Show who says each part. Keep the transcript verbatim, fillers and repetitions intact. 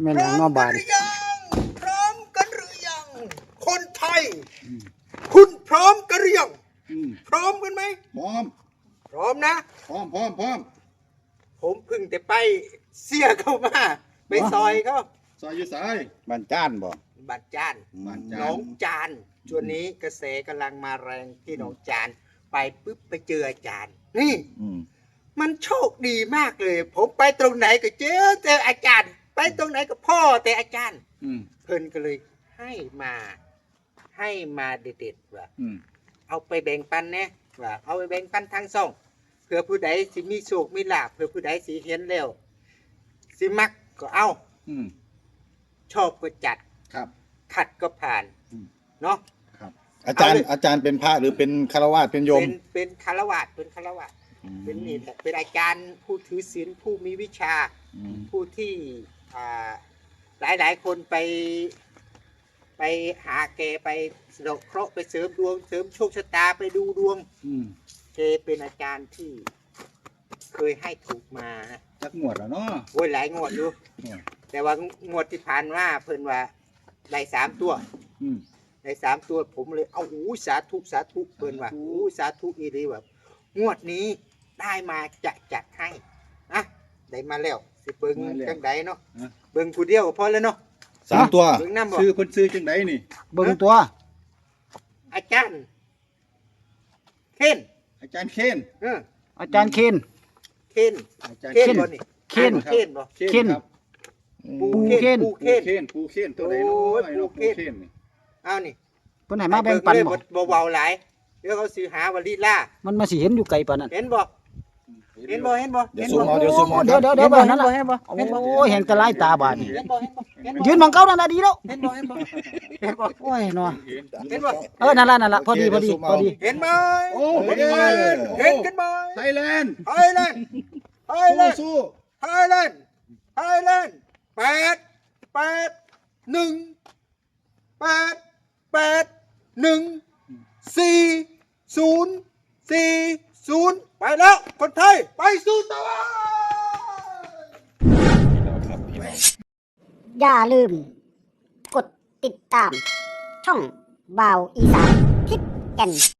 Speaker 1: ม่นหยังเนาะบาด
Speaker 2: พร้อมกันหรือยังคนไทยคุณพร้อมกันหรือยังพร้อมกันไหม
Speaker 3: พร้อม
Speaker 2: พร้อมนะ
Speaker 3: พร้อมพร้อมพร้อม
Speaker 2: ผมเพิ่งแต่ไปเสียเข้ามาไปซอยเขา
Speaker 3: ซอยอยู่สาย
Speaker 1: บ้านจ้านบ่
Speaker 2: บัดจาน
Speaker 3: บ้านจาน
Speaker 2: น้องจานช่วงนี้กระแสกำลังมาแรงที่น้องจานไปปุ๊บไปเจออาจารย์นี่มันโชคดีมากเลย ผมไปตรงไหนก็เจอเจออาจารย์ ไปตรงไหนก็พ่อแต่อาจารย์เพิ่นก็เลยให้มาให้มาเด็ดๆว่าเอาไปแบ่งปันนะว่าเอาไปแบ่งปันทางซ่องเพื่อผู้ใดสิมีโชคมีลาภเพื่อผู้ใดสิเห็นแล้วสิมักก็เอาชอบก็จัด
Speaker 3: ครับ
Speaker 2: ขัดก็ผ่านเนาะ
Speaker 1: ครับอาจารย์อาจารย์เป็นพระหรือเป็นฆราวาสเป็นโยม
Speaker 2: เป็นเป็นฆราวาสเป็นฆราวาสเป็นนี่แหละเป็นอาจารย์ผู้ถือศีลผู้มีวิชาผู้ที่หลายหลายคนไปไปหาแกไปสะดอกเคราะห์ไปเสริมดวงเสริมโชคชะตาไปดูดวงแกเป็นอาจารย์ที่เคยให้ถูกมา
Speaker 3: จักงวดแล้วเนาะ
Speaker 2: โอ้ยหลายงวดอยู่แต่ว่างวดที่ผ่านมาเพิ่นว่าได้สามตัวได้สามตัวผมเลยเอาอู้สาธุสาธุเพิ่นว่าอู้สาธุอีรีแบบงวดนี้ได้มาจะจัดให้นะได้มาแล้วสิเบิ่งจังใดเนาะเบิ่งผู้เดียวก็พอแล้วเนาะ
Speaker 1: สามตัว
Speaker 3: ซื้อเพิ่นซื้อจังใดนี่
Speaker 1: เบิ่งตัว
Speaker 2: อาจารย์เคน
Speaker 3: อาจารย์เคน
Speaker 2: เออ
Speaker 1: อาจารย์เคน
Speaker 2: เคนเคนบ่นี่
Speaker 1: เคน
Speaker 2: เคนบ่
Speaker 1: เคน
Speaker 2: ปูเคนปูเคน
Speaker 3: ปูเคนตัวใดเนาะไอ้เนาะปูเคนนี่
Speaker 2: เอานี่
Speaker 1: เพิ่นให้มาแบ่งปัน
Speaker 2: บ่เบาๆหลายเดี๋ยวเขาสิหาว่าลีลา
Speaker 1: มันมาสิเห็นอยู่ไกลปานนั้น
Speaker 2: เห็นบ่เห็นบ่เห็นบ่
Speaker 1: เดี๋ยวซูมเอาเดี๋ยวซูมเอาเดี๋ยวเดี๋ยวเดี๋ยวบ่นั่นล่ะโอ้ยเห็นแต่ลายตาบาดนี่ยืนมองเก่านั่นน่ะดีแล้ว
Speaker 2: เห็นบ่เห็นบ่เห็นบ่
Speaker 1: โอ้ยเนาะ
Speaker 2: เห็นบ่
Speaker 1: เออนั่นล่ะนั่นล่ะพอดีพอดีพอดี
Speaker 2: เห็นมั้ย
Speaker 3: โอ้
Speaker 2: เห็นมั้ยเห็นกันมั้ย
Speaker 3: ไทยแลนด์
Speaker 2: ไทยแลนด์ไทยแลนด์
Speaker 3: สู้
Speaker 2: ไทยแลนด์ไทยแลนด์แปด แปด หนึ่ง แปด แปด หนึ่ง สี่ ศูนย์ สี่ ศูนย์ไปแล้วคนไทยไปสู่ตะวัน
Speaker 4: อย่าลืมกดติดตามช่องบ่าวอีสานทิพย์แก่น